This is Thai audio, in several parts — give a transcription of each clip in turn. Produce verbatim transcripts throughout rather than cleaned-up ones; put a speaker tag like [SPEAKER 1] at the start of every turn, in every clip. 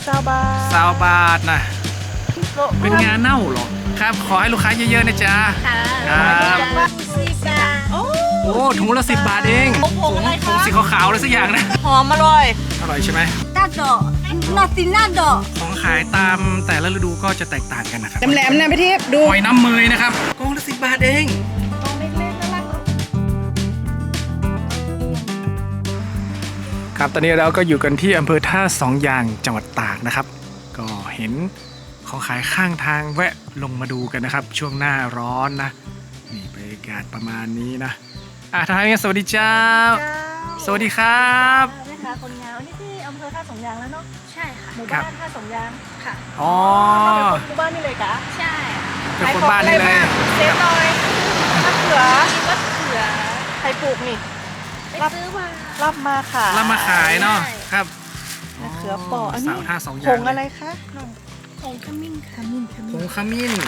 [SPEAKER 1] ซาวบาท
[SPEAKER 2] ซาวบาทนะเป็นงานเน่าเหรอครับขอให้ลูกค้าเยอะๆนะจ๊ะครับโอ้ถุงละสิบบาทเองถุงสีขาวๆอะไรสักอย่างนะ
[SPEAKER 1] หอมอร่อย
[SPEAKER 2] อร่อยใช่ไหม
[SPEAKER 3] นาโดนาซินาโด
[SPEAKER 2] ของขายตามแต่ละฤดูก็จะแตกต่างกันนะครับ
[SPEAKER 1] แหลมๆนะพี่ทิพย์ดู
[SPEAKER 2] หอยน้ำเมยนะครับกองละสิบบาทเองครับตอนนี้เราก็อยู่กันที่อำเภอท่าสองยางจังหวัดตากนะครับก็เห็นของขายข้างทางแวะลงมาดูกันนะครับช่วงหน้าร้อนนะนี่บรรยากาศประมาณนี้นะอ่ะทางนี้สวัสดีเจ้าสวัสดีครับ
[SPEAKER 1] นี่ค่ะคนงานนี่ที่อำเภอท่าสองยางแล้วเนาะ
[SPEAKER 3] ใช่ค่ะ
[SPEAKER 1] หมู่บ้านท่าสองยาง
[SPEAKER 3] ค่ะ
[SPEAKER 2] อ๋อ
[SPEAKER 1] หมู่บ้านนี่เลยกะ
[SPEAKER 3] ใช่
[SPEAKER 2] เป็นคนบ้านนี่เลย
[SPEAKER 1] เซฟหน่อยมะเขือ
[SPEAKER 3] มะเขือ
[SPEAKER 1] ใครปลูกนี่
[SPEAKER 3] ไปซื้อมา
[SPEAKER 1] รับมาค่ะ
[SPEAKER 2] รับมาขายเนาะครับ
[SPEAKER 1] มะเขือเปออันนี้
[SPEAKER 2] สาวท่าสองยาง
[SPEAKER 1] ผงอะไรคะน้อง
[SPEAKER 3] ผงขมิ้น
[SPEAKER 1] ข
[SPEAKER 3] ค่ะ
[SPEAKER 1] มิ้นข
[SPEAKER 2] ผ
[SPEAKER 1] มิ้น
[SPEAKER 2] งขมิ้น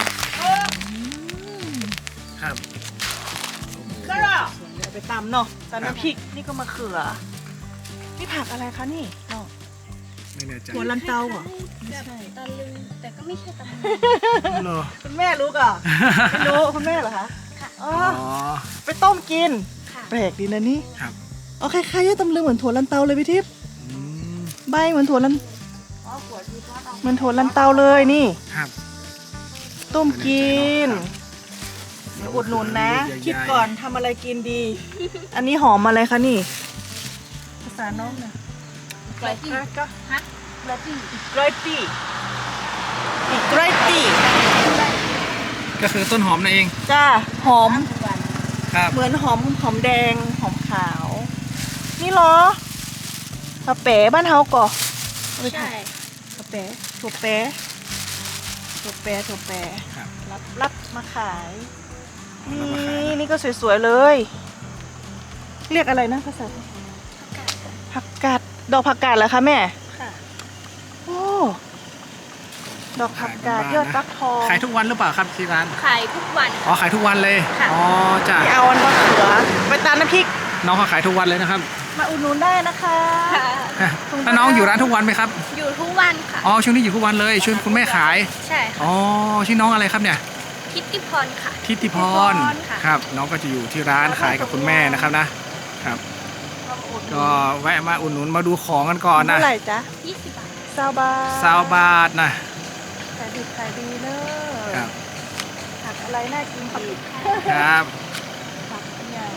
[SPEAKER 2] ครับ
[SPEAKER 1] ก็รอไปตำเนาะตำน้ำพริกนี่ก็มะเขือนี่ผักอะไรคะนี่น้อง
[SPEAKER 2] ไม่แน่ใจ
[SPEAKER 1] หัวลันเตาเหรอ
[SPEAKER 3] ไม่ใช่ตะลึงแต่ก็ไม่ใช่ตะลึง
[SPEAKER 2] เหรอ
[SPEAKER 1] คุณแม่รู้ก่ะไม่รู้คุณแม่เหรอคะ
[SPEAKER 3] ค่ะ
[SPEAKER 1] อ๋อ
[SPEAKER 2] อ๋อ
[SPEAKER 1] ไปต้มกิน
[SPEAKER 3] ค่ะ
[SPEAKER 1] แปลกดีนะนี่
[SPEAKER 2] ครับ
[SPEAKER 1] อ๋อคล้ายๆจะตำลึงเหมือนถั่วลันเตาเลยพี่ทิพย์
[SPEAKER 2] อืม
[SPEAKER 1] ใบเหมือนถั่วลันเหมือนถั่วลันเตาเลยนี่
[SPEAKER 2] ครับ
[SPEAKER 1] ต้มกิน
[SPEAKER 2] ครับ
[SPEAKER 1] เดี๋ยวอุดหนุนนะ
[SPEAKER 2] ใหญ่ๆ
[SPEAKER 1] คิดก่อนทำอะไรกินดี อันนี้หอมอะไรคะนี่ ภาษาน้องนะ
[SPEAKER 3] ไกลที่
[SPEAKER 1] ก็
[SPEAKER 3] ฮะไกลที่
[SPEAKER 1] อีกไกรตี้อีกไกรตี้
[SPEAKER 2] ก็คือต้นหอมนั่นเอง
[SPEAKER 1] จ้าหอม
[SPEAKER 2] ครับ
[SPEAKER 1] เหมือนหอมหอมแดงหอมขาว นี่เหรอกระเป๋บ้านเฮาก่อเอาไป
[SPEAKER 3] ใช่
[SPEAKER 1] ถ่ายกระเป๋ถั่วแป๋ถั่วแป๋ถั่วแป๋
[SPEAKER 2] ครับ
[SPEAKER 1] รับรับมาขาย
[SPEAKER 2] รับ
[SPEAKER 1] นี่
[SPEAKER 2] มาขาย
[SPEAKER 1] นี่ก็สวยๆเลย เรียกอะไรนะภาษาผักกาดดอกผักกาดเหรอคะแม่
[SPEAKER 3] ค่ะ
[SPEAKER 1] โอ้ดอกผักกาดยอดฟักทอง
[SPEAKER 2] ขายทุกวันหรือเปล่าครับที่ร้าน
[SPEAKER 3] ขายทุกวัน
[SPEAKER 2] อ๋อขายทุกวันเลย
[SPEAKER 3] ค่ะ
[SPEAKER 2] อ๋อจ้ะ
[SPEAKER 1] ที่เอาอันมะเขือไปตามน้ำพริก
[SPEAKER 2] น้องเขาขายทุกวันเลยนะครับ
[SPEAKER 1] มาอุดหนุนได้นะคะ
[SPEAKER 3] ค่ะ
[SPEAKER 2] แล้วน้องอยู่ร้านทุกวันไหมครับ
[SPEAKER 3] อยู่ทุกวันค่ะ
[SPEAKER 2] อ๋อช่วงนี้อยู่ทุกวันเลยช่วยคุณแม่ขาย
[SPEAKER 3] ใช่ค่ะ
[SPEAKER 2] อ๋อชื่อน้องอะไรครับเนี่ย
[SPEAKER 3] คิตติพรค่ะ
[SPEAKER 2] ทิติพร
[SPEAKER 3] ค่ะ
[SPEAKER 2] ครับ น้องก็จะอยู่ที่ร้านขายกับคุณแม่นะครับนะครับ ก็แวะมาอุดหนุนมาดูของกันก่อนนะ
[SPEAKER 1] เท่าไหร่จ๊ะ
[SPEAKER 3] ยี่สิบบาท
[SPEAKER 1] ซาวบาท
[SPEAKER 2] ซาวบาทนะ
[SPEAKER 1] ขายดีขายดีเนอะ
[SPEAKER 2] ครับ
[SPEAKER 1] ผักอะไรน่ากินอีก
[SPEAKER 2] ครับ
[SPEAKER 1] ผักอย่าง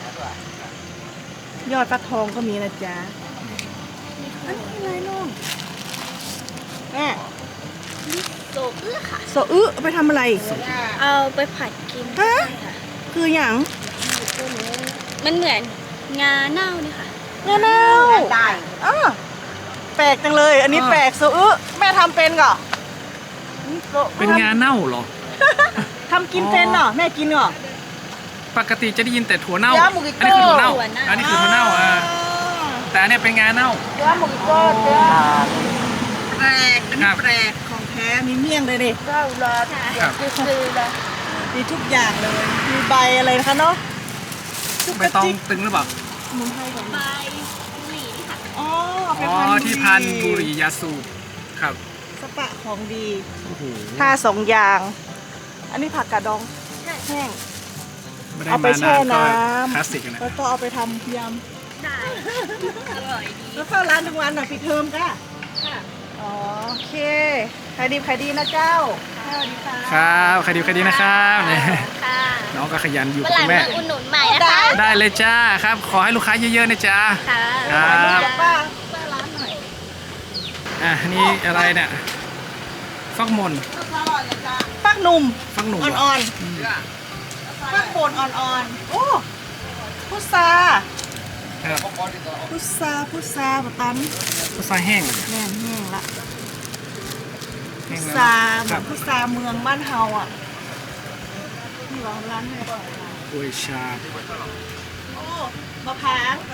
[SPEAKER 1] ยอดฟักทองก็มีนะจ๊ะอันนี้อะไรน้องแม่
[SPEAKER 3] โซเอื้อค่ะ
[SPEAKER 1] โซอึเอาไปทำอะไร
[SPEAKER 3] เอาไปผัดกิน
[SPEAKER 1] ฮะ
[SPEAKER 3] ได้ค่ะ
[SPEAKER 1] คืออย่าง
[SPEAKER 3] มันเหมือนงาเน่านี่ค่ะ
[SPEAKER 1] เงี้ยเน่าได้อ้าแปลกจังเลย อันนี้แปลกโซอึแม่ทำเป็นก่อนี่โซอึ
[SPEAKER 2] เป็นงานเน่าเหรอ
[SPEAKER 1] ทำกินเป็นเหรอแม่กินเหรอ
[SPEAKER 2] ปกติจะได้ยินแต่ถั่วเน่า
[SPEAKER 1] ยาหมูกิ
[SPEAKER 2] อัน
[SPEAKER 1] โก้
[SPEAKER 2] นี้คือถั่วเน่า
[SPEAKER 3] ถั่วเน่า
[SPEAKER 2] อันนี้คือถั่วเน่าอ่าแต่อันเนี้ยเป็นงานเน่า
[SPEAKER 1] เนื้อหมูกรอบเนื้อแปลกอัน
[SPEAKER 2] ครั
[SPEAKER 1] นี้
[SPEAKER 2] บ
[SPEAKER 1] แปลกของแท้มีเมี่ยงเลยดิเก้าร้อย
[SPEAKER 2] ครับ
[SPEAKER 3] ซื้อเลย
[SPEAKER 1] มีทุกอย่างเลย มีใบอะไรนะคะเนาะจุก
[SPEAKER 2] ใบ
[SPEAKER 1] กระ
[SPEAKER 2] ตอง
[SPEAKER 1] จิก
[SPEAKER 2] ตึงหรือเปล่า
[SPEAKER 1] สมุนไพรก่อน
[SPEAKER 3] ใบหลีค่ะ
[SPEAKER 1] อ๋อ
[SPEAKER 2] อ๋อที่พันบุรียาสูบครับ
[SPEAKER 1] สปะของดี
[SPEAKER 2] โอ้โห
[SPEAKER 1] ท่าสองอย่าง อันนี้ผักกาดดอง
[SPEAKER 3] ใช่
[SPEAKER 1] แห้ง
[SPEAKER 2] ไม่ได้
[SPEAKER 1] เอาไป
[SPEAKER 2] มา
[SPEAKER 1] แช่
[SPEAKER 2] นานก็
[SPEAKER 1] น้ำ
[SPEAKER 2] คลาสสิกนะ
[SPEAKER 1] แล้วก็เอาไปทำย
[SPEAKER 3] ได้ อร่อยดี
[SPEAKER 1] ำแล้วเข้าร้านทุกวันหน่อยปิดเทอมก้ะ
[SPEAKER 3] ค่ะ
[SPEAKER 1] อ๋อโอเคขายดีขายดีนะเจ้าสวัสดีค่ะ
[SPEAKER 2] ครับใครดีใครดีนะครับเนี่ย
[SPEAKER 3] ค่ะ
[SPEAKER 2] น้องก็ขยันอยู่
[SPEAKER 3] วัน
[SPEAKER 2] กับ
[SPEAKER 3] หลั
[SPEAKER 2] คุ
[SPEAKER 3] ง
[SPEAKER 2] ณแม่
[SPEAKER 3] มาอุดหนุนใหม่นะคะ
[SPEAKER 2] ได้เลยจ้าครับ ขอให้ลูกค้าเยอะๆนะจ๊ะ
[SPEAKER 3] ค่ะ
[SPEAKER 2] ครับ
[SPEAKER 1] บอกป้า
[SPEAKER 3] ป้าร้านหน่อย
[SPEAKER 2] อ่ะนี่อะไรเนี่ยฟักมน
[SPEAKER 1] ปักหนุ่ม
[SPEAKER 2] ฟักหนุ่ม
[SPEAKER 1] อ่
[SPEAKER 2] เหร
[SPEAKER 1] อนๆปักโคนอ่อนๆ โอ้พุทรา
[SPEAKER 2] ครับ
[SPEAKER 1] พุทราพุทราบตัน
[SPEAKER 2] พุทราแห้งเหรอ
[SPEAKER 1] แน่นแห้งละ
[SPEAKER 2] แห้
[SPEAKER 1] พุ
[SPEAKER 2] ง
[SPEAKER 1] ท
[SPEAKER 2] แล้ว
[SPEAKER 1] ราเห
[SPEAKER 2] ค
[SPEAKER 1] มื
[SPEAKER 2] รั
[SPEAKER 1] อบ นพุทราเมืองบ้านเฮาอ่ะนี่เหรอร้านไหน
[SPEAKER 2] กล้วยชาบ
[SPEAKER 1] โอ้มะพร้าว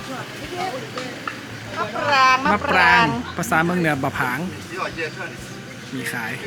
[SPEAKER 1] มะปราง
[SPEAKER 2] มะปรางภาษาเมืองเหนือบะผางมีขาย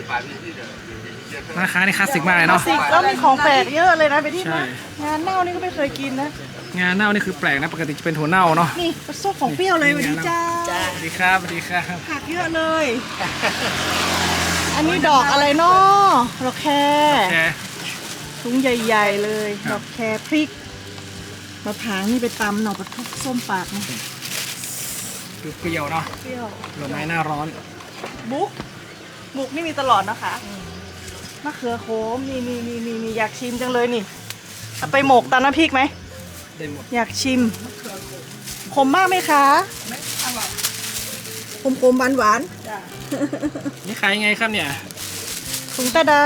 [SPEAKER 2] ราคานี่คลาสสิกมากเลยเนาะ
[SPEAKER 1] สิแล้วมีของแปลกเยอะเลยนะไปที่
[SPEAKER 2] ใช่
[SPEAKER 1] นะงานเน่านี่ก็ไม่เคยกินนะ
[SPEAKER 2] งาเน่านี่คือแปลกนะปกติจะเป็นถั่วเน่าเนาะ
[SPEAKER 1] นี่กระซกของเปรี้ยวเลยสวัสดีเจ้า
[SPEAKER 2] สวัสดีครับสวัสดีครับ
[SPEAKER 1] ผักเยอะเลย อันนี้ดอกอะไรเนาะดอกแคร
[SPEAKER 2] แชร์
[SPEAKER 1] ถุงใหญ่ๆเลย
[SPEAKER 2] ค
[SPEAKER 1] ด
[SPEAKER 2] รับ
[SPEAKER 1] อกแครพริกมะพร้าวนี่ไปตำหน่อปลาทุกส้มปากนะ
[SPEAKER 2] คือเปรี้ยวเนาะ
[SPEAKER 1] เปรี้ยว
[SPEAKER 2] ผลไม้หน้าร้อน
[SPEAKER 1] บุ๊กบุ๊กนี่มีตลอดนะคะมะเขือโขมนี่นี่นี่นี่นี่อยากชิมจังเลยนี่เอาไปหมกตำน้ำพริกไหม
[SPEAKER 2] ได้หมด
[SPEAKER 1] อยากชิมขมมากไหมคะขมขมหวานหวาน
[SPEAKER 2] นี่ขายยังไงครับเนี่ย
[SPEAKER 1] ถุงตะได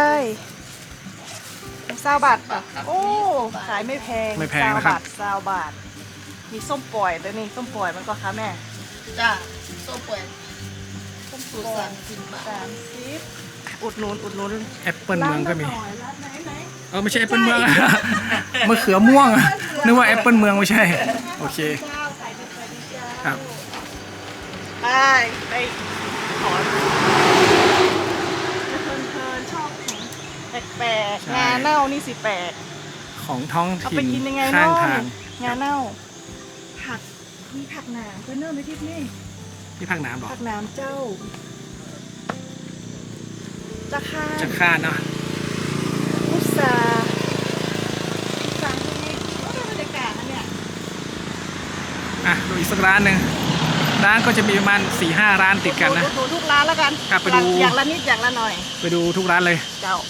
[SPEAKER 1] ซาวบาทอ่ะโอ้ขายไม่แพง
[SPEAKER 2] ไม่แพงนะครับ
[SPEAKER 1] ซาวบาทมีส้มปล่อยด้วยนี่ส้มปล่อยมันก็คะแม่
[SPEAKER 4] จ้าโซ่ป่วย
[SPEAKER 1] ส้ม
[SPEAKER 4] สูตร
[SPEAKER 1] ปล่อ
[SPEAKER 4] สาย มสิบบาท
[SPEAKER 1] สามสิบอุดหนุนอุดหนุน
[SPEAKER 2] แอปเปิลเมืองก็มี
[SPEAKER 1] ร้านละหน่อยร้านไหนไหน
[SPEAKER 2] เออไม่ใช่แอปเปิลเมือง มะเขือม่วงนึกว่าแอปเปิลเมืองไม่ใช่โอเค
[SPEAKER 1] เจ้าขายเป็นไปดีเจ้า
[SPEAKER 2] ครับ
[SPEAKER 1] ไปไปขอเพลินๆชอบของแปลก
[SPEAKER 2] ใช่
[SPEAKER 1] ๆงาเน่านี่สิแปลก
[SPEAKER 2] ของท้อง
[SPEAKER 1] เอา
[SPEAKER 2] ถิ่
[SPEAKER 1] ไป
[SPEAKER 2] น
[SPEAKER 1] กินยังไง
[SPEAKER 2] ข้าง
[SPEAKER 1] เนาะ
[SPEAKER 2] ทาง
[SPEAKER 1] งาเน่า ผักมีผักหนามเพื่อนเนอร์ไม่ทิพนี่
[SPEAKER 2] ที่ภาคน้ำหรอ
[SPEAKER 1] ผักหนามเจ้าจะค่า
[SPEAKER 2] จะคาดเนาะ
[SPEAKER 1] พุทราพุทราที่นี่ก็เป็นบรรยากาศนะเนี่ย
[SPEAKER 2] อ่ะดูอีกสักร้านหนึ่งร้านก็จะมีประมาณสี่ห้าร้านติดกันนะ
[SPEAKER 1] ดูทุกร้านแล้วกัน
[SPEAKER 2] ครับไปดู
[SPEAKER 1] อย่างละนิดอย่างละหน่อย
[SPEAKER 2] ไปดูทุกร้านเลย
[SPEAKER 1] เจ้า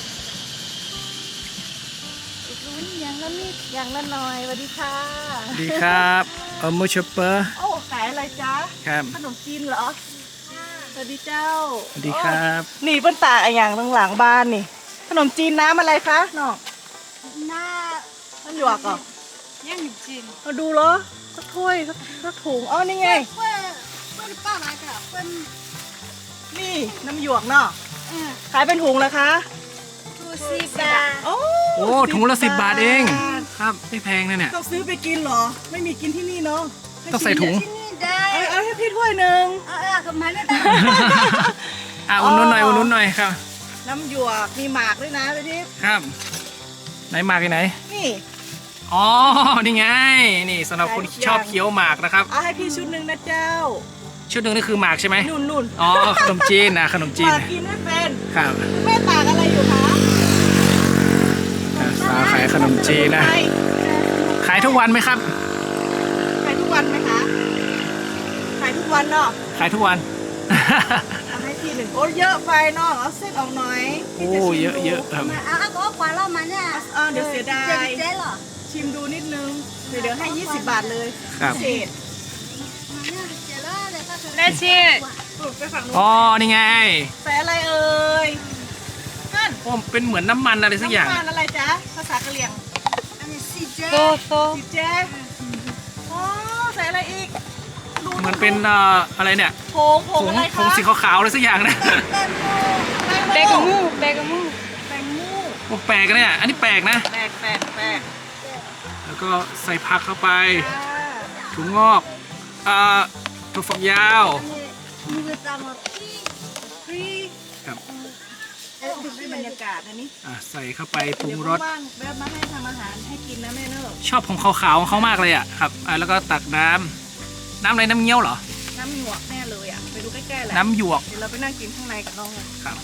[SPEAKER 1] รุ้นอย่างละนิดอย่างละหน่อยสวัสดีค่ะ
[SPEAKER 2] ดีครับเออมูชเปอร์
[SPEAKER 1] โอ้ขายอะไรจ๊ะ
[SPEAKER 2] ครับ
[SPEAKER 1] ขนมจีนเหรอสวัสดีเจ้า
[SPEAKER 2] สวัสดีครับ
[SPEAKER 1] โอ้นี่เปิ้นตากอะไรอย่างตรงหลังบ้านนี่ ขนมจีนน้ำอะไรคะน้อง
[SPEAKER 3] หน้า
[SPEAKER 1] มันหยวกเหรอ
[SPEAKER 3] ยังอยู่จีน
[SPEAKER 1] มาดูเหรอสักถ้วยสักสักถุงอ๋อนี่ไง
[SPEAKER 3] เพื่อนเพื่อนป้ามากับเพื่อน
[SPEAKER 1] นี่น้ำหยวกเนาะ
[SPEAKER 3] เออ
[SPEAKER 1] ขายเป็นถุงแล้วคะ
[SPEAKER 3] ดูสิบา
[SPEAKER 1] โอ้
[SPEAKER 2] โอ้ถุงละสิบบาทเอง
[SPEAKER 1] บาท
[SPEAKER 2] ครับไม่แพงนะเนี่ย
[SPEAKER 1] ต้องซื้อไปกินเหรอ ไม่มีกินที่นี่เนาะ
[SPEAKER 2] ต้องใส่ถุง
[SPEAKER 3] ที่นี่ได้
[SPEAKER 1] เอาเอาให้พี่ถ้วยหนึ่ง
[SPEAKER 3] เออเออทำไมไม่ได้
[SPEAKER 2] อ่ะอุ่นนุ่นหน่อยอุ่นนุ่นหน่อยครับ
[SPEAKER 1] น้ำหยวกมีหมากด้วยนะไปทิพย์
[SPEAKER 2] ครับ ไหนหมากอยู่ไหน
[SPEAKER 1] นี่
[SPEAKER 2] อ๋อ นี่ไง นี่สำหรับคนที่ชอบเคี้ยวหมากนะครับ
[SPEAKER 1] เอาให้พี่ชุดหนึ่งนะเจ้า
[SPEAKER 2] ชุดหนึ่งนี่คือหมากใช่ไหม
[SPEAKER 1] นุ่นนุ่น
[SPEAKER 2] อ๋อ ขนมจีนนะขนมจี
[SPEAKER 1] ห
[SPEAKER 2] น
[SPEAKER 1] มากกินไม่เป็น
[SPEAKER 2] ครับ
[SPEAKER 1] แม่ตากอะไรอยู่คะ
[SPEAKER 2] อ่ะสาวขายขนมจีนนะ
[SPEAKER 1] ใช่
[SPEAKER 2] ขายทุกวันไหมครับ
[SPEAKER 1] ขายทุกวันไหมคะขายทุกวันเนาะ
[SPEAKER 2] ขายทุกวัน
[SPEAKER 1] เอาให้พี่หนึ่งโอ้เยอะไปเนาะเอาเส้นออกหน่อย
[SPEAKER 2] โอ้
[SPEAKER 1] พี่จะชิม
[SPEAKER 2] เยอะ
[SPEAKER 1] ดู
[SPEAKER 2] เยอะครับ
[SPEAKER 3] มาเอาเอาตัวกว่าเรามาเนี่ย
[SPEAKER 1] เออเดี๋ยวเสียดาย
[SPEAKER 3] เจ๊เจ๊เหรอ
[SPEAKER 1] ชิมดูนิดนึงเดี๋ยวเดี๋ยวให้ยี่สิบบาทเลย
[SPEAKER 2] ครับ
[SPEAKER 1] เศษ
[SPEAKER 3] มาเนี่ยเจ๊เลยเลยก็คือ
[SPEAKER 1] แม่ชีปลูกไปฝั่งนู้น
[SPEAKER 2] อ๋อ นี่ไง
[SPEAKER 1] แฝอะไรเอ่ยนั่น
[SPEAKER 2] โอ้เป็นเหมือนน้ำมันอะไรสักอย่าง
[SPEAKER 1] น้ำมันอะไรจ๊ะภาษากะเหรี่ยง
[SPEAKER 3] อันนี้สิเจ๊
[SPEAKER 1] โตโตสีแจ๊อ๋อใส่อะไรอีกดู
[SPEAKER 2] เหมือนเป็นเอ่ออะไรเนี่ย
[SPEAKER 1] ผงผ
[SPEAKER 2] ผ
[SPEAKER 1] ง
[SPEAKER 2] ง
[SPEAKER 1] อะไร
[SPEAKER 2] ผ
[SPEAKER 1] คะ
[SPEAKER 2] งสีขาวๆอะไรสักอย่างนะ
[SPEAKER 1] แตงโมแตงโมแตงโม
[SPEAKER 2] โอ้แปลกนะเนี่ย อันนี้แปลกนะ
[SPEAKER 1] แปลกแปลกแปลก
[SPEAKER 2] แล้วก็ใส่ผักเข้าไป
[SPEAKER 1] อ่า
[SPEAKER 2] ถุงงอกเอ่อถั่วฝักยาว
[SPEAKER 3] มีเวลามาพี่
[SPEAKER 1] ฟรี
[SPEAKER 2] ครับ
[SPEAKER 1] เอ๊ะดูได้บรรยากาศนะนี่
[SPEAKER 2] อ่ะใส่เข้าไปปรุงรส
[SPEAKER 1] เดี๋ยวว่างๆแวะมาให้ทำอาหารให้กินนะแม่เนอะ
[SPEAKER 2] ชอบของขาวๆของเขามากเลยอ่ะครับอ่ะแล้วก็ตักน้ำน้ำอะไรน้ำเงี้ยวเหรอ
[SPEAKER 1] น้ำหยวกแน่เลยอ่ะไปดูใกล้ๆแหละ
[SPEAKER 2] น้ำหยวก
[SPEAKER 1] เดี๋ยวเราไปนั่งกินข้างในกับน้องเลย
[SPEAKER 2] ครับ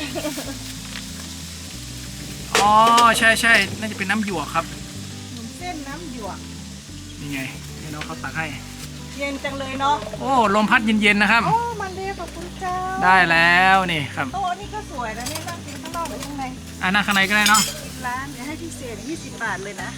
[SPEAKER 2] อ๋อใช่ใช่น่าจะเป็นน้ำหยวกครับ
[SPEAKER 1] ขนมเส้นน้ำหยวก
[SPEAKER 2] นี่ไงให้น้องเขาตักให้
[SPEAKER 1] เย็นจังเลยเนาะ
[SPEAKER 2] โอ้ลมพัดเย็นๆนะครับ
[SPEAKER 1] โอ้มันเดย์ขอบคุณเจ้า
[SPEAKER 2] ได้แล้วนี่ครับ
[SPEAKER 1] โต๊ะนี่ก็สวยนะนี่นั่งกินข้างนอกหรือข้างใน
[SPEAKER 2] อ่ะนั่งข้างในก็ได้เนาะ
[SPEAKER 1] ร้านเดี๋ยวให้พิเศษยี่สิบบาทเลยนะ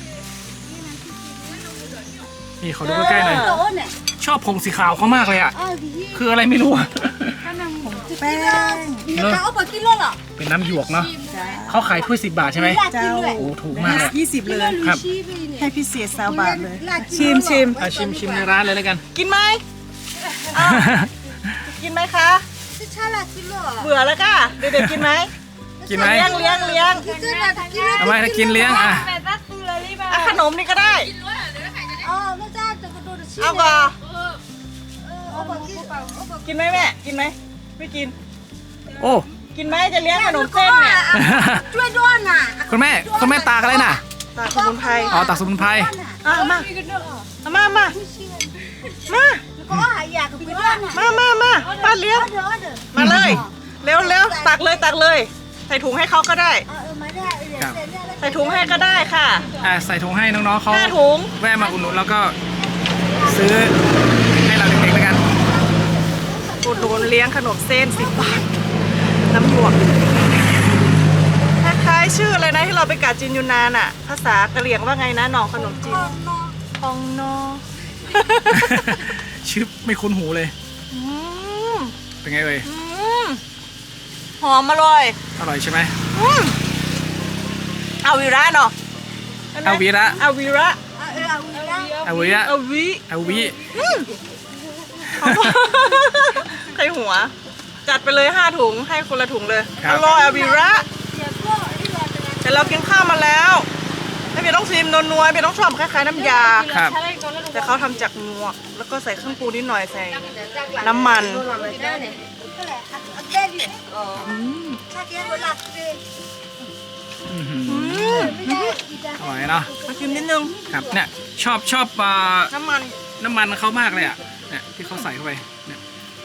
[SPEAKER 2] นี่ขอดูใกล้ๆหน่อย
[SPEAKER 3] โตเนี่ย
[SPEAKER 2] ชอบผงสีขาวเขามากเลยอ่ะ
[SPEAKER 3] อ๋อพี่
[SPEAKER 2] คืออะไรไม่รู้อะ
[SPEAKER 1] แป้ง
[SPEAKER 3] มีราคาเอาไปกิโลเหรอ
[SPEAKER 2] เป็นน้ำหยวกเนาะ
[SPEAKER 1] จ้า
[SPEAKER 2] เขาขายถ้วยสิบบาทใช่ไหม
[SPEAKER 3] ลากินด้วย
[SPEAKER 2] โอ้ถูกมากเลย
[SPEAKER 1] ยี่สิบเลย
[SPEAKER 2] ครับ
[SPEAKER 1] ให้พิเศษสามบาทเลย ชิมชิม
[SPEAKER 2] อ่ะชิมชิมในร้านเลยแล้วกัน
[SPEAKER 1] กินไหมอ้าวกินไหมคะ
[SPEAKER 3] จะชาลากิโล
[SPEAKER 1] เบื่อแล้วก็เด็กๆกินไหม
[SPEAKER 2] กินไหม
[SPEAKER 1] เลี้ยงเลี้ยงเลี้ยง
[SPEAKER 3] จะลากิโล
[SPEAKER 2] เอาไว้ถ้ากินเลี้ยงอ่ะ
[SPEAKER 1] อ่ะขนมนี่ก็ได้
[SPEAKER 3] อ๋อไม่ได้จะกระโดดชิ
[SPEAKER 1] เอาก่อน
[SPEAKER 3] เอาไปกินเอาไป
[SPEAKER 1] กินไหมแม่กินไหมไม่กิน
[SPEAKER 2] โอ้
[SPEAKER 1] กินไหมจะเลี้ยงขนมเส้นเนี่ย
[SPEAKER 3] ช่วยด้วยน่ะ
[SPEAKER 2] คุณแม่คุณแม่ตากอะไรน่ะ
[SPEAKER 1] ตากสมุนไพร
[SPEAKER 2] อ๋อตักสมุนไพร
[SPEAKER 1] อ่ะมาเอามามามา
[SPEAKER 4] ก็หายากกับเพื่อนอ่ะ
[SPEAKER 1] มามามาป้าเลี้ยง
[SPEAKER 4] เดี๋ยวเดี๋ยว
[SPEAKER 1] มาเลย เร็วเร็วตักเลยตักเลย ใส่ถุงให้เขาก็ได้
[SPEAKER 4] เออมาได้เดี๋ยวเสร็จแล้ว
[SPEAKER 1] ใส่ถุงให้ก็ได้ค่ะ
[SPEAKER 2] อ่ะใส่ถุงให้น้องๆเขา
[SPEAKER 1] ห้าถุง
[SPEAKER 2] แวะมาอุดหนุนแล้วก็ซื้อให้เราเด็กๆแล้วกัน
[SPEAKER 1] อุดหนุนเลี้ยงขนมเส้นสิบบาท น้ำหยวกคล้ายๆชื่ออะไรนะที่เราไปกาจินยูนานอะภาษากะเหรี่ยงว่าไงนะหนองขนมจีนพองนอ
[SPEAKER 2] ชื่อไม่คุ้นหูเลย
[SPEAKER 1] อืม
[SPEAKER 2] เป็นไงเอ่ย
[SPEAKER 1] อืมหอมอร่อย
[SPEAKER 2] อร่อยใช่ไหม
[SPEAKER 1] อืมเอาวีระเนาะ
[SPEAKER 2] เอาวีระ
[SPEAKER 1] เอาวีระ
[SPEAKER 4] เออเอาแล้ว
[SPEAKER 2] เอาวีระ
[SPEAKER 1] เอาวิ
[SPEAKER 2] เอาวิ
[SPEAKER 1] ใครหัว จัดไปเลยห้าถุงให้คนละถุงเลย
[SPEAKER 2] ครั
[SPEAKER 1] อบ ร่อยเอาวีระ
[SPEAKER 4] เดี๋ยวก็ที่เราจะ
[SPEAKER 1] แต่เรากินข้าวมาแล้วไม่เพียต้องชิมนัวๆเพียต้องชอบคล้ายๆน้ำยา
[SPEAKER 2] ครับ
[SPEAKER 1] แต่เขาทำจากงวก แล้วก็ใส่เครื่องปรุงนิดหน่อยใส่น้ำมัน
[SPEAKER 4] ก็แหละเอาเต้นดิถ้าเดี๋ยวเวลาเต้น
[SPEAKER 2] อื้อหือ
[SPEAKER 1] อืม
[SPEAKER 4] ไม่ได้อีกอ่ะ
[SPEAKER 2] อร่อยเนาะ
[SPEAKER 1] มาชิมนิดนึง
[SPEAKER 2] ครับเนี่ยชอบชอบอ่า
[SPEAKER 1] น้ำมัน
[SPEAKER 2] น้ำมันเขามากเลยอ่ะเนี่ยที่เขาใส่เข้าไปเนี่ย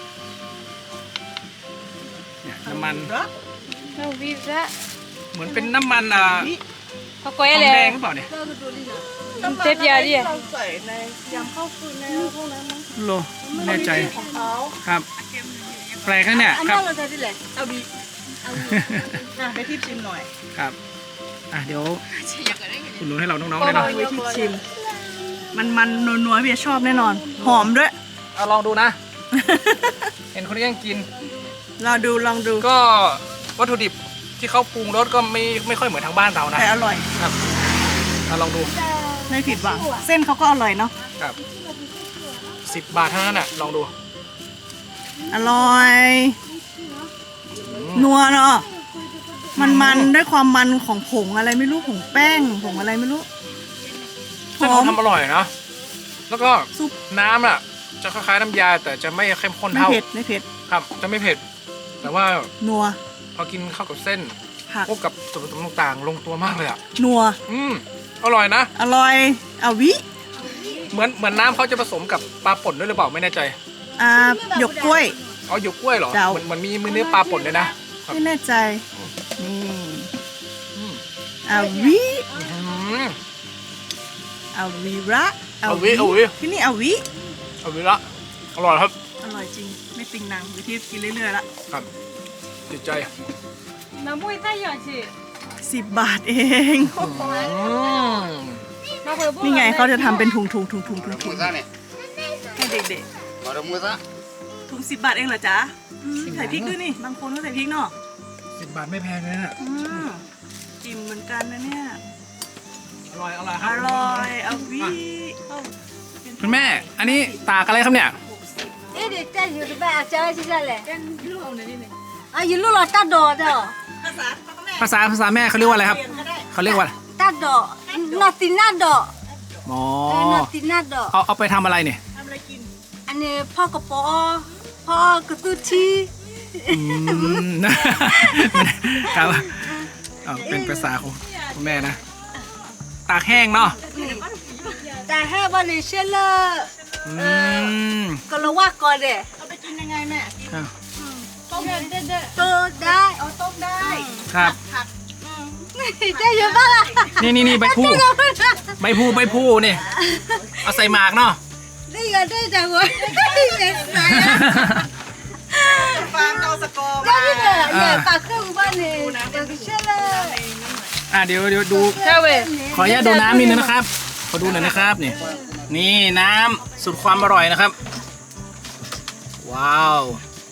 [SPEAKER 2] เนี่ยน้ำมัน
[SPEAKER 3] เราวิระ
[SPEAKER 2] เหมือนเป็นน้ำมันอ่า
[SPEAKER 3] เขาก็
[SPEAKER 2] ทอง
[SPEAKER 3] เล
[SPEAKER 2] แด
[SPEAKER 3] ย
[SPEAKER 2] งหรือเปล่าเนี่ย
[SPEAKER 3] เจ็บยาดิ
[SPEAKER 1] เราใส่ในยำข้าวฟืนในพวกนั้นมั้ง
[SPEAKER 2] โลไม่แน่ใจ
[SPEAKER 1] ของเขา
[SPEAKER 2] ครับแปลกนะเนี่ย
[SPEAKER 4] อัน
[SPEAKER 2] ครั
[SPEAKER 4] นั้
[SPEAKER 2] บ
[SPEAKER 4] นเราจะได้เลย
[SPEAKER 1] เอาบีอ่ะไปทิปชิมหน่อย
[SPEAKER 2] ครับอ่ะเดี๋ยวคุณรู้นให้เราน้องๆ
[SPEAKER 1] ก็
[SPEAKER 2] เลย
[SPEAKER 1] ลอ
[SPEAKER 2] เนาะ
[SPEAKER 1] งไปทิปชิม มันมันนัวๆพี่ชอบแน่นอน หอมด้วย
[SPEAKER 2] เอาลองดูนะ เห็นคนนี้ยังกิน
[SPEAKER 1] ลองดูลองดู
[SPEAKER 2] ก็วัตถุดิบที่เขาปรุงรสก็ไม่ไม่ค่อยเหมือนทางบ้านเรานะ
[SPEAKER 1] แต่อร่อย
[SPEAKER 2] ครับเอาลองดู
[SPEAKER 1] ไม่ผิดหวัง เส้นเขาก็อร่อยเนาะ
[SPEAKER 2] ครับสิบบาทเท่านั้นน่ะลองดู
[SPEAKER 1] อร่อย นัวเนาะ มันมันด้วยความมันของผงอะไรไม่รู้ผงแป้งผงอะไรไม่รู้ห
[SPEAKER 2] เส้น
[SPEAKER 1] อ
[SPEAKER 2] เขา
[SPEAKER 1] ม
[SPEAKER 2] ทำอร่อยนะแล้วก็
[SPEAKER 1] ซุป
[SPEAKER 2] น้ำอ่ะจะคล้ายๆน้ำยาแต่จะไม่เข้มข้น
[SPEAKER 1] ไม่
[SPEAKER 2] เท่า
[SPEAKER 1] เผ็ดไม่เผ็ด
[SPEAKER 2] ครับจะไม่เผ็ด แต่ว่า
[SPEAKER 1] นัว
[SPEAKER 2] พอกินเข้ากับเส้น
[SPEAKER 1] ผัก
[SPEAKER 2] พวกกับส่วนผสมต่างๆ ลงตัวมากเลยอ่ะ
[SPEAKER 1] นัว
[SPEAKER 2] อืมอร่อยนะ
[SPEAKER 1] อร่อยเอาวิ
[SPEAKER 2] เหมือนเหมือนน้ำเขาจะผสมกับปลาป่นด้วยหรือเปล่าไม่แน่ใจ
[SPEAKER 1] อ่าหยกกล้วย
[SPEAKER 2] อ๋อหยวกกล้วยเหรอ
[SPEAKER 1] เดา
[SPEAKER 2] เหมือนเหมือนมีมือเนื้อปลาป่นเลยนะ ครับ
[SPEAKER 1] ไม่แน่ใจ นี่
[SPEAKER 2] อืม
[SPEAKER 1] เอาวิ
[SPEAKER 2] อื้อหือ
[SPEAKER 1] เอาวีระ
[SPEAKER 2] เอาวิเอาวิ
[SPEAKER 1] ที่นี่เอาวิ
[SPEAKER 2] เอาวิละอร่อยครับ
[SPEAKER 1] อร่อยจริง ไม่ติงนางวิธีกินเรื่อยๆละ
[SPEAKER 2] ครับติดใจ
[SPEAKER 3] น้ำมุ้ยใต้หยอดสิ
[SPEAKER 1] สิบบาทเอง
[SPEAKER 2] อืม
[SPEAKER 3] มาเผื่อ
[SPEAKER 1] นี่ไงเขาจะทำเป็นถุงถุงถุงถุงถุงถุง
[SPEAKER 5] Musa nih,
[SPEAKER 1] ให้เด็ก
[SPEAKER 5] baru musa.
[SPEAKER 1] ๆถุงสิบบาทเองเหรอจ๊ะอืมใส่พริกด้วยนี่ บางคนก็ใส่พริกเนาะ
[SPEAKER 2] สิบบาทไม่แพงเลยนะ
[SPEAKER 1] อืมจิ้มเหมือนกันนะเนี่ย
[SPEAKER 2] อร่อยอร่อยค
[SPEAKER 1] อ
[SPEAKER 2] รับ
[SPEAKER 1] ร่อยเอาวิเอา
[SPEAKER 2] คุณแม่ อันนี้ตากอะไรครับเนี่ย
[SPEAKER 4] เอ๊ะเดี๋ยวจะอยู่ที่บ้านอาจารย์ที่นั่นแหละอ่ะอยู่ลูกเราตัดดอกเด้อ
[SPEAKER 1] ภาษาพ่อกับแม่
[SPEAKER 2] ภาษาภาษาแม่เขาเรียกว่าอะไรครับ
[SPEAKER 1] เปลี่ยนก็ได้
[SPEAKER 2] เขาเรียกว่า
[SPEAKER 4] ตัดดอกนอตินาดอก
[SPEAKER 2] อ๋อ
[SPEAKER 4] เออนอตินาดอก
[SPEAKER 2] เอาเอาไปทำอะไรเนี่ย
[SPEAKER 1] ทำอะไรกิน
[SPEAKER 4] อันนี้พ่อกระป๋อพ่อกระตุ้ชี
[SPEAKER 2] อืม ครับเอาเป็นภาษาของคุณแม่นะ ตากแห้งเนาะ
[SPEAKER 4] แต่ให้บริเชลเลอร์
[SPEAKER 2] อืม
[SPEAKER 4] ก็รู้ว่าก่อนเด้
[SPEAKER 1] เอาไปกินยังไงแม่
[SPEAKER 2] ครับ
[SPEAKER 1] ต้มเด็ด
[SPEAKER 4] ตัวได้
[SPEAKER 1] ๆเอาต้มได้
[SPEAKER 2] ครับ
[SPEAKER 1] ผัก
[SPEAKER 4] จะอยู่บ้านละ
[SPEAKER 2] นี่นี่นี่ใบพูใบพูใบพูนี่ เอาใส่หมากเนาะ
[SPEAKER 4] ได้ยังได้จังวะเด็กสาย
[SPEAKER 1] ฟางเอาสกอร์
[SPEAKER 4] ได้
[SPEAKER 1] มา
[SPEAKER 4] ที่เด้อเนี่ยปากเครื่องบ้านนี่บริเชลเลอร์
[SPEAKER 2] อ่ะเดี๋ยวเดี๋ยวดู
[SPEAKER 3] ใช่เว้ย
[SPEAKER 2] ขออนุญาตดูน้ำนิดนึงนะครับ ขอดูหน่อยนะครับนี่ นี่น้ำสุดความอร่อยนะครับ ว้าว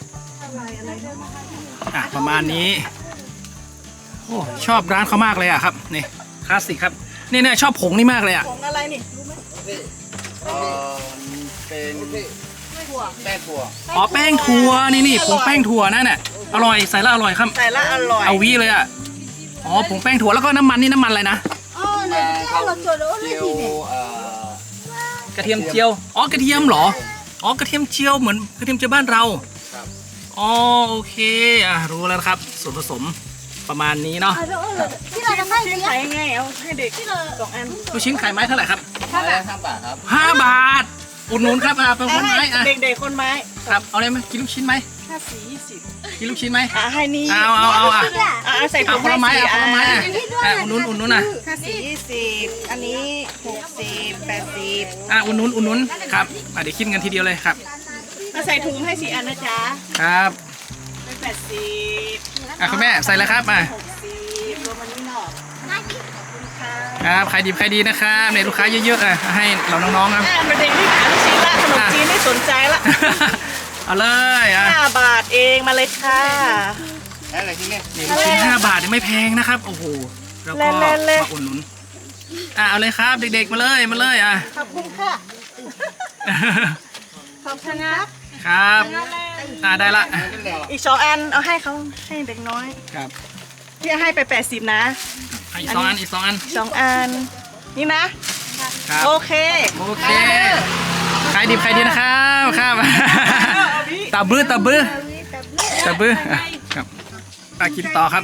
[SPEAKER 2] อ่ะประมาณนี้โอ้ชอบร้านเขามากเลยอ่ะครับนี่คลาสสิกครับนี่เนี่ยชอบผงนี่มากเลยอ่ะ
[SPEAKER 1] ผงอะไรนี่รู้ไหม
[SPEAKER 5] เป็นแป้งถั่ว
[SPEAKER 2] อ๋อแป้งถั่วนี่นี่ผงแป้งถั่วนั่นน่ะอร่อยใส่แล้วอร่อยครับ
[SPEAKER 1] ใส่ละอร่อย
[SPEAKER 2] เอาวีเลยอ่ะอ๋อผงแป้งถั่วแล้วก็น้ำมันนี่น้ำมันอะไรนะ
[SPEAKER 4] อ๋อเนี่ยเราตัวโน้นเลย
[SPEAKER 5] เจียว
[SPEAKER 4] ทีเนี่ย
[SPEAKER 5] เอ่อก
[SPEAKER 2] ระเทียมเจียวอ๋อกระเทียมเหรออ๋อกระเทียมเจียวเหมือนกระเทียมเจียวบ้านเรา
[SPEAKER 5] ครับ
[SPEAKER 2] อ๋อโอเคอ่ะรู้แล้วนะครับส่วนผสมประมาณนี้เนาะ
[SPEAKER 4] ที่เราจะให้เลี้ยง
[SPEAKER 1] ขายยังไงเอาให้เด็กสองอัน
[SPEAKER 2] ลูกชิ้นขายไม้เท่าไหร่ครับ
[SPEAKER 5] ไม้ละห้าบาทครับ
[SPEAKER 2] ห้าบาทอุดหนุนครับอ่ะเป็นคนไม้อ่ะ
[SPEAKER 1] เด็กๆคนไม้
[SPEAKER 2] ครับเอาเลยไหมกินลูกชิ้นไหม
[SPEAKER 1] ห้าสี่ยี่สิบ
[SPEAKER 2] กินลูกชิ้นไหม
[SPEAKER 1] อ่ะให้นี่
[SPEAKER 2] เอาเอาเอาอ่ะ
[SPEAKER 1] อ่ะใส่ถุ
[SPEAKER 2] เอา
[SPEAKER 1] ง
[SPEAKER 2] คนละไม้
[SPEAKER 1] ให้
[SPEAKER 2] เอาคนละไม้
[SPEAKER 1] สี่
[SPEAKER 2] อ่ะอ่ะอุดหนุนอุดหนุนอ่ะ
[SPEAKER 1] ห้าสี่ยี่สิบอันนี้หกสิบแปดสิบ
[SPEAKER 2] อ่ะอุดหนุนอุดหนุนครับอ่ะเดี๋ยวคิดกันทีเดียวเลยครับ
[SPEAKER 1] มาใส่ถุงให้สี่อันนะจ๊ะ
[SPEAKER 2] ครับ
[SPEAKER 1] เป็นแปดสิบ
[SPEAKER 2] อ่ะคุณแม่ใส่เลยครับอ่ะ
[SPEAKER 1] หกสิบรวมอันนี้หน่อยขอบคุณค่ะ
[SPEAKER 2] ครับใครดีใครดีนะครับเนี่ยลูกค้าเยอะๆอ่ะให้เราน้องๆครับ
[SPEAKER 1] อ่ะมาเด็กที่หาลูกชิ้นละขนมจีนไม่สนใจละ
[SPEAKER 2] เอาเลยอ่ะ
[SPEAKER 1] ห้าบาทเองมาเลยค่ะ
[SPEAKER 5] อะไรที่นี่
[SPEAKER 2] นี่ลูกชิ้นห้าบาทเนี่ยไม่แพงนะครับโอ้โหแล้วก็มาอุดหนุนอ่ะเอาเลยครับเด็กๆมาเลยมาเลยอ่ะ
[SPEAKER 1] ขอบคุณค่ะขอบคุณครับ
[SPEAKER 2] ครับอ่ะได้ละ
[SPEAKER 1] อีกสองอันเอาให้เขาให้เด็กน้อย
[SPEAKER 2] ครับ
[SPEAKER 1] พี่ให้ไปแปดสิบนะ
[SPEAKER 2] อ่ะอีกสองอันอีกสองอัน
[SPEAKER 1] สองอันนี่นะ
[SPEAKER 2] ครับ
[SPEAKER 1] โอเค
[SPEAKER 2] โอเคขายดีขายดีนะครับครับตาบื้อตาบื้อตาบื้ออ่ะครับอ่ะกินต่อครับ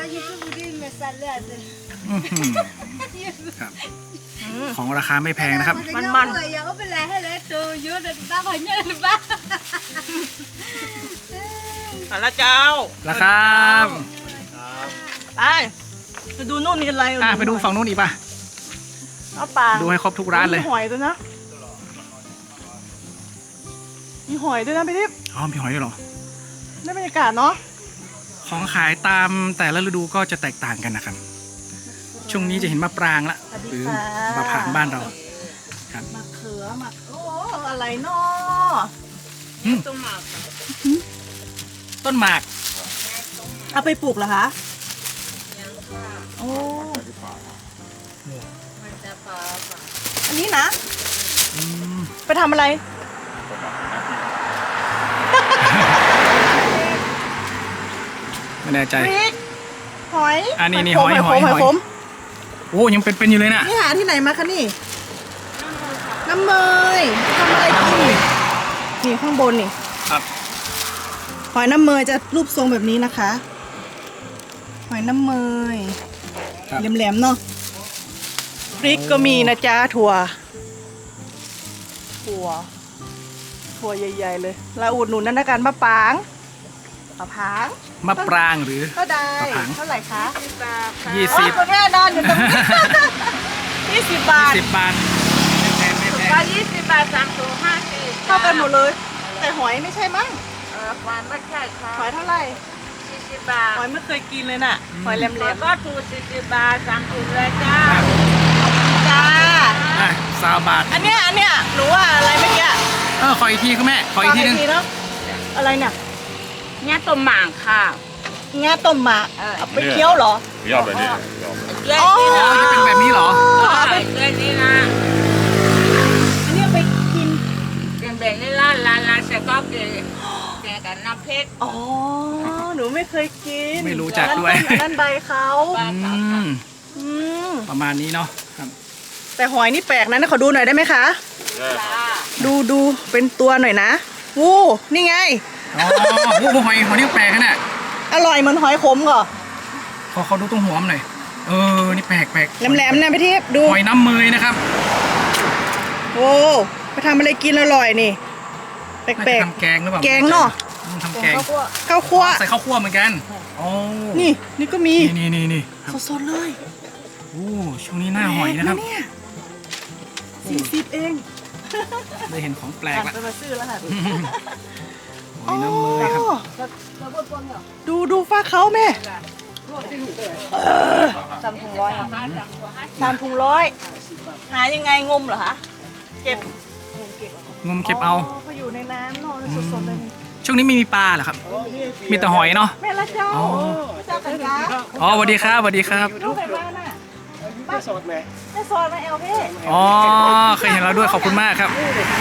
[SPEAKER 2] อื้อหือครับของราคาไม่แพงนะครับ
[SPEAKER 1] มันมัน
[SPEAKER 4] อย่าเอาไปแลให้เลยตัวเยอะเลยบ้าพอเยอะเลยบ้า
[SPEAKER 1] เอาละเจ้า
[SPEAKER 2] ราคา
[SPEAKER 1] ไปไปดูนู่นนี่อะไร
[SPEAKER 2] อ่ะไปดูฝั่งนู้นอีกป่ะ
[SPEAKER 1] เอาปลา
[SPEAKER 2] ดูให้ครบทุกร้านเลย
[SPEAKER 1] มีหอยด้วยนะมีหอยด้วยนะพี่ทิพย์
[SPEAKER 2] อ๋อมีหอยด้วยเหรอ
[SPEAKER 1] ได้บรรยากาศเนาะ
[SPEAKER 2] ของขายตามแต่ละฤดูก็จะแตกต่างกันนะครับ ช่วงนี้จะเห็นมะปรางละหรือมะผางบ้านเราครับ
[SPEAKER 1] มะเขือมะโอ้อะไรเนาะ
[SPEAKER 2] อืมต้นหมาก
[SPEAKER 1] เอาไปปลูกเหรอคะโอ้อันนี้นะ
[SPEAKER 2] อืม
[SPEAKER 1] ไปทำอะไร
[SPEAKER 2] ไม่แน่ใจ
[SPEAKER 1] พริกหอย
[SPEAKER 2] อันนี้นี่
[SPEAKER 1] ขม
[SPEAKER 2] หอยหอย
[SPEAKER 1] ขม
[SPEAKER 2] หอย
[SPEAKER 1] ขม
[SPEAKER 2] โอ้ยังเป็นๆอยู่เลยน่ะ
[SPEAKER 1] นี่หาที่ไหนมาคะนี่ น้ำเมยทำอะไรกินนี่ข้างบนนี่
[SPEAKER 2] ครับ
[SPEAKER 1] หอยน้ำเมยจะรูปทรงแบบนี้นะคะ หอยน้ำเมย
[SPEAKER 2] ครับ
[SPEAKER 1] แหลมๆเนาะพริกก็มีนะจ๊ะถั่ว ถั่ว ถั่วใหญ่ๆเลยเราอุดหนุนนั่นนะกันมะปางมะพร้าง
[SPEAKER 2] มะปรางหรือ
[SPEAKER 1] ก็ได้
[SPEAKER 2] มะพร้าง
[SPEAKER 1] เท่าไหร่คะ
[SPEAKER 2] ยี่สิบ
[SPEAKER 1] คุณแม่นอนอยู่ตรงนี้ ยี่สิบบาท
[SPEAKER 2] สิบบาทไม่แพงไม่แพง
[SPEAKER 3] ก็ยี่สิบบาทสามถุงห้าสิบ
[SPEAKER 1] เท่ากันหมดเลย แต่หอยไม่ใช่มั้ง
[SPEAKER 3] เออควานไม่ใช่ค่ะ
[SPEAKER 1] หอยเท่าไหร่
[SPEAKER 3] สี่สิบบาท
[SPEAKER 1] หอยไม่เคยกินเลยน่ะ หอยแหลม
[SPEAKER 3] แล้วก็ถูสี่สิบบาทสามถุงเลยจ้า
[SPEAKER 1] ๆจ้า
[SPEAKER 2] อ่ะสามบาท
[SPEAKER 1] อันเนี้ยอันเนี้ยหนูว่าอะไรเมื่อกี้
[SPEAKER 2] เออขออีกทีครับแม่ขออีกทีนึง
[SPEAKER 1] เนาะอะไรเนี่ย
[SPEAKER 3] เนี่ยต้มหม่างค่ะ
[SPEAKER 1] งาต้มหมาก
[SPEAKER 3] เออ
[SPEAKER 1] เอาไปเคี้ยวเหรอ
[SPEAKER 6] 要不然这要不
[SPEAKER 3] เล่น
[SPEAKER 1] อ๋อ
[SPEAKER 3] นี่
[SPEAKER 2] อ๋
[SPEAKER 3] นะ
[SPEAKER 2] อจะเป็นแบบนี้เหรอ
[SPEAKER 1] เอาไป
[SPEAKER 3] เล่นนี่นะ
[SPEAKER 1] อันนี้เอาไปกิน
[SPEAKER 3] เป็นแบบนี้ละลานลานเสร็จก็เกลี่ยเกลี่ยกับน้ำเพชร
[SPEAKER 1] อ๋อ หนูไม่เคยกิน
[SPEAKER 2] ไม่รู้จักด้วย
[SPEAKER 1] อันนั้นใบเขา
[SPEAKER 2] อืม
[SPEAKER 1] อืม
[SPEAKER 2] ประมาณนี้เนาะครับ
[SPEAKER 1] แต่หอยนี่แปลกนะนะขอดูหน่อยได้ไหมคะ ดูดูเป็นตัวหน่อยนะวู้นี่ไง
[SPEAKER 2] อ๋อโอ้โหหอยหอยนี่แปลกนะเนี่ย
[SPEAKER 1] อร่อยเหมือนหอยขมเหรอ
[SPEAKER 2] ขอเขาดูตรงหัวมันหน่อยเออนี่แปลกแปลก
[SPEAKER 1] แหลมๆนะพี่ทิพย์ดู
[SPEAKER 2] หอยน้ำเมยนะครับ
[SPEAKER 1] โอ้ไปทำอะไรกินอร่อยนี่ แป
[SPEAKER 2] น่า
[SPEAKER 1] ล
[SPEAKER 2] จะ
[SPEAKER 1] ก
[SPEAKER 2] ทำแกงหรือเปล่า
[SPEAKER 1] แกงเนอะ
[SPEAKER 2] อืมทำแกง
[SPEAKER 1] ๆข้าวคั่ว
[SPEAKER 2] ใส่ข้าวคั่วเหมือนกันโอ้
[SPEAKER 1] นี่นี่ก็มี
[SPEAKER 2] นี่นี่นี่ครับ
[SPEAKER 1] สดๆเลย
[SPEAKER 2] โอ้ช่วงนี้หน้าหอยนะครับ
[SPEAKER 1] แปลกสี่สิบเอง
[SPEAKER 2] ได้เห็นของแปลก
[SPEAKER 1] อ่ะ
[SPEAKER 2] ละ
[SPEAKER 1] ไปมาซื้อแล้วค่ะ
[SPEAKER 2] หอยน้ำเมยครับ
[SPEAKER 1] อ๋อดูดูฟ้าเขาแม่สามถุงร้อยสามถุงร้อยหายังไงงมเหรอคะเก็บ
[SPEAKER 2] งมเก็บเอา
[SPEAKER 1] เขาอยู่ในน้ำเนอนสดๆเลย
[SPEAKER 2] ช่วงนี้ไม่มีปลาเหรอครับ มีแต่หอยเนาะ
[SPEAKER 1] แม่ละเจ้า
[SPEAKER 2] อ๋อ
[SPEAKER 1] พระเจ้ากันจ้า
[SPEAKER 2] อ๋อสวัสดีครับสวัสดีครับ
[SPEAKER 1] ดูไปบ้านน่ะแม่สดไหมแม่สดมาเอลพี่
[SPEAKER 2] อ๋อเคยเห็นเราด้วยขอบคุณมากครับ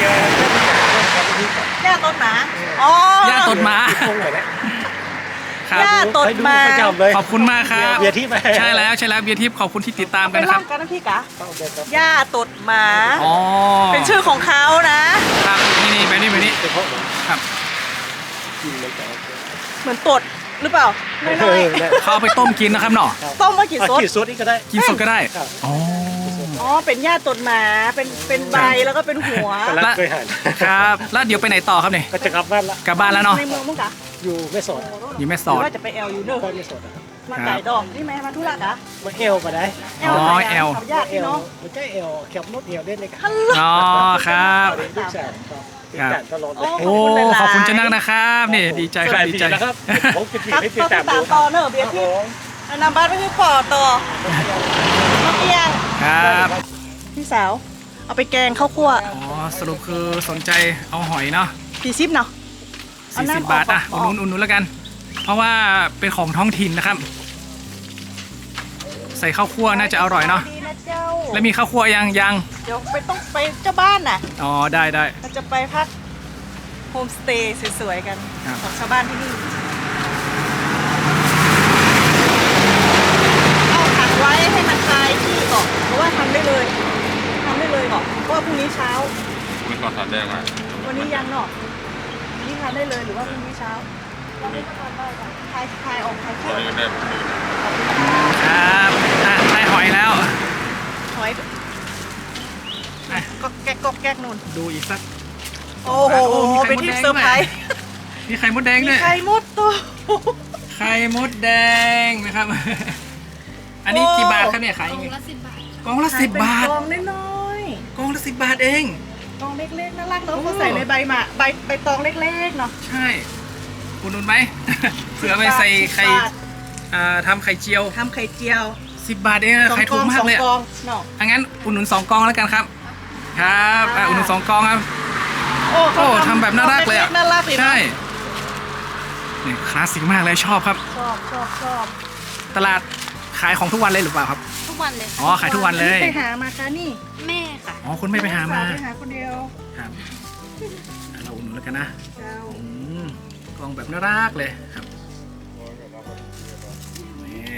[SPEAKER 1] ย่าต้นหมาอ๋อย่
[SPEAKER 2] าตดหมาครับ
[SPEAKER 1] ย่าตดหมา
[SPEAKER 2] ขอบคุณมากครับ
[SPEAKER 6] เบียร์ทิพย์
[SPEAKER 2] ใช่แล้วใช่แล้วเบียร์ทิพย์ขอบคุณที่ติดตาม
[SPEAKER 1] ไป
[SPEAKER 2] กันนะครับ
[SPEAKER 1] ล่ำกันนะพี่กะย่าตดหมา
[SPEAKER 2] อ๋อ
[SPEAKER 1] เป็นชื่อของเขานะครับ
[SPEAKER 2] นี่นี่แบบนี้แบบนี้ครับ
[SPEAKER 1] เหมือนตดหรือเปล่าน้อย
[SPEAKER 2] เขาเอาไปต้มกินนะครับเนาะ
[SPEAKER 1] ๆต้มมากี่ซด
[SPEAKER 6] ขีดซดนี่ก็ได้
[SPEAKER 2] กินสดก็ได้อ๋อ
[SPEAKER 1] อ๋อเป็นหญ้าตดหมาเป็นเป็นใบแล้วก็เป็นหัว
[SPEAKER 6] กำลังเคยหัน
[SPEAKER 2] ครับ แล้วเดี๋ยวไปไหนต่อครับเนี่ย
[SPEAKER 6] ก็จะกลับบ้านละ
[SPEAKER 2] กลับบ้านแล้วเนาะ
[SPEAKER 1] ในเมืองมั้งกะ
[SPEAKER 6] อยู่แม่สอด
[SPEAKER 2] อยู่แม่
[SPEAKER 1] ห
[SPEAKER 2] ส
[SPEAKER 1] รือ
[SPEAKER 2] อด
[SPEAKER 1] ว่าจะไปแอลอยู่เนอะ
[SPEAKER 6] บ้านแม่สอดนะครับ
[SPEAKER 1] มาไก่ดอกนี่ไหมมาธุระกะ
[SPEAKER 6] มาเอลก็ได้
[SPEAKER 1] แอล
[SPEAKER 2] อ๋อ
[SPEAKER 1] ไปะ
[SPEAKER 2] แอล
[SPEAKER 1] ขับญาติ
[SPEAKER 6] เอ
[SPEAKER 1] พี่
[SPEAKER 6] ล
[SPEAKER 1] น้อง
[SPEAKER 6] มันใช่เอลแคบรถเอลได้เลยครับ
[SPEAKER 2] อ๋อครับ
[SPEAKER 6] ลูกชายครับติดการตลอดเล
[SPEAKER 1] โอ้
[SPEAKER 6] ย
[SPEAKER 2] โอ้ขอบคุณเจ้านักนะครับนี่ดีใจครับดีใจ
[SPEAKER 6] นะครับผมจะผิด
[SPEAKER 1] ครับ
[SPEAKER 6] ให้ติด
[SPEAKER 1] ก็
[SPEAKER 6] ตาม
[SPEAKER 1] ตามต่อเนอะเบียร์พี่เอานำบ้านไปที่ปอต่อน้องเอียง
[SPEAKER 2] ครับ
[SPEAKER 1] พี่สาว เอาไปแกงข้าวคั่ว
[SPEAKER 2] อ๋อสรุปคือสนใจเอาหอยเนาะ
[SPEAKER 1] สี่สิบเนาะ เอา
[SPEAKER 2] สี่
[SPEAKER 1] น้ำ
[SPEAKER 2] สิบบาทอ่ะ
[SPEAKER 1] อ
[SPEAKER 2] อุ
[SPEAKER 1] อ
[SPEAKER 2] ด
[SPEAKER 1] ก
[SPEAKER 2] หนุนอุดหนุนแล้วกัน เพราะว่าเป็นของท้องถิ่นนะครับ ใส่ข้าวคั่วน่าจะอร่อยเนาะ
[SPEAKER 1] ดีนะเจ้า
[SPEAKER 2] แล้วมีข้าวคั่วยังยัง
[SPEAKER 1] เดี๋ยวไปต้องไปเจ้าบ้านน่ะ
[SPEAKER 2] อ๋อได้ได้
[SPEAKER 1] เราจะไปพักโฮมสเตย์สวยๆกัน
[SPEAKER 2] ครับ
[SPEAKER 1] ของชาวบ้านที่นี่ เอาขังไว้ให้มันคลายที่ก่อนเพราะว่าทำได้เลยทำได้เลยก่อนเพราะว่าพรุ่งนี้เช้า
[SPEAKER 5] มันก่อนถัดแดงมา
[SPEAKER 1] วันนี้ยังเนาะวันนี้ทานได้เลยหรือว่าพรุ่งนี้เช้าเราไม่ต้องทานได้ก่อนคลายคลายออกคลาย
[SPEAKER 5] ต
[SPEAKER 1] เที่
[SPEAKER 5] อน
[SPEAKER 1] ยว
[SPEAKER 5] นี้ก็ได้
[SPEAKER 2] ครับอ่ะได้หอยแล้ว
[SPEAKER 1] หอย
[SPEAKER 2] อ่ะ
[SPEAKER 1] ก็แก๊กก็แก๊กนู่น
[SPEAKER 2] ดูอีกสัก
[SPEAKER 1] โอ้โห
[SPEAKER 2] โอ้มีไข่
[SPEAKER 1] เป็น
[SPEAKER 2] มด
[SPEAKER 1] ที่
[SPEAKER 2] แดง
[SPEAKER 1] เซอร์ไพรส์
[SPEAKER 2] มีไข่มดแดง
[SPEAKER 1] มี
[SPEAKER 2] ด้วย
[SPEAKER 1] ไข่มดตัว
[SPEAKER 2] ไข่มดแดงนะครับ อันนี้กี่บาทครับเนี่ยขายยังไงกล่องละสิบบาท
[SPEAKER 1] กล่องน้อย
[SPEAKER 2] กล่องละสิบบาทเอง
[SPEAKER 1] ๆกล่องเล็กๆน่ารักเนาะ
[SPEAKER 2] โอ้
[SPEAKER 1] เขาใส่ในใบหมาใบใบตองเล็กๆเนาะ
[SPEAKER 2] ใช่อุดหนุนไหม เผื่อไปใส่ไข่
[SPEAKER 1] สิบบาท
[SPEAKER 2] อ่าทำไข่เจียว
[SPEAKER 1] ทำไข่เจียว
[SPEAKER 2] สิบบาทเองอะขายถูกมากเลย
[SPEAKER 1] สอง
[SPEAKER 2] อะ
[SPEAKER 1] กล่องเนาะ
[SPEAKER 2] อังั้นอุดหนุนสองกล่องแล้วกันครับ ครับอ่ะอุดหนุนสองกล่องครับ
[SPEAKER 1] โอ้
[SPEAKER 2] โอ้ทำแบบน่ารักเลยอะ
[SPEAKER 1] น่ารักเลยเนอะ
[SPEAKER 2] ใช่นี่คลาสสิกมากเลยชอบครับ
[SPEAKER 1] ชอบชอบชอบ
[SPEAKER 2] ตลาดขายของทุกวันเลยหรือเปล่าครับ
[SPEAKER 4] ทุกวันเลย
[SPEAKER 2] อ๋อขายทุกวันเลย
[SPEAKER 1] ไปหามาค่ะนี่
[SPEAKER 4] แม่ค่ะ
[SPEAKER 2] อ๋อคุณไม่ไปหามา
[SPEAKER 1] ไปหาคนเดียว
[SPEAKER 2] ครับอ่ะเราอุดหนุนแล้วกันนะ
[SPEAKER 1] เจ้า
[SPEAKER 2] อืมกล่องแบบน่ารักเลยครับนี่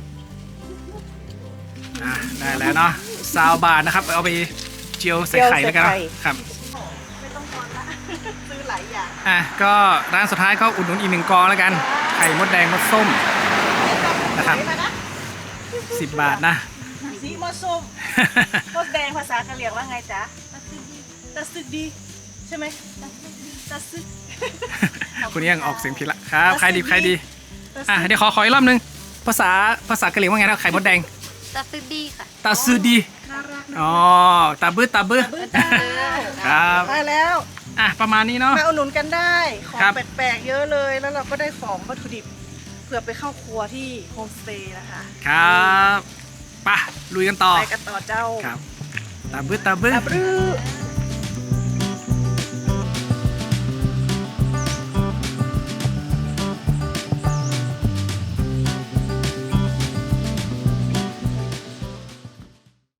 [SPEAKER 2] อ่ะได้แล้วเนาะซาวบาทนะครับเอาไปเจียวใส่ไข่แล้วกันเนอะครับ
[SPEAKER 1] ไม่ต้องทอนละ ซื้อหลายอย่าง
[SPEAKER 2] อ่ะก็ร้านสุดท้ายก็อุดหนุนอีกหนึ่งกองแล้วกันไข่มดแดงมดส้ม นะครับ สิบบาทนะ
[SPEAKER 1] สีมดส้มมดแดงภาษากะเหรี่ยงว่าไงจ๊ะตะซึกดีใช่ไหมตะซึก
[SPEAKER 2] คุณยังออกเสียงผิดละครับใครดีใครดี
[SPEAKER 1] ตะซึก
[SPEAKER 2] อ่ะเดี๋ยวขอขออีกรอบนึงภาษาภาษากะเหรี่ยงว่าไงนะไข่มดแดง
[SPEAKER 4] ตาฟิดีค่ะ
[SPEAKER 2] ตาซือดี
[SPEAKER 1] น่ารักนะ
[SPEAKER 2] อ๋อตาบื้อตาบื้อ
[SPEAKER 1] บื้อจ้า
[SPEAKER 2] ครับ
[SPEAKER 1] ได้แล้ว
[SPEAKER 2] อ่ะประมาณนี้เนาะ
[SPEAKER 1] มาอุดหนุนกันได้ ของ
[SPEAKER 2] ครับ
[SPEAKER 1] แปลกๆเยอะเลย แล้วเราก็ได้ของวัตถุดิบเพื่อไปเข้าครัวที่โฮมสเตย์นะคะ
[SPEAKER 2] ครับไปะลุยกันต่อ
[SPEAKER 1] ไปกันต่อเจ้า
[SPEAKER 2] ครับตาบื้อตาบื้อ
[SPEAKER 1] อับรื้อ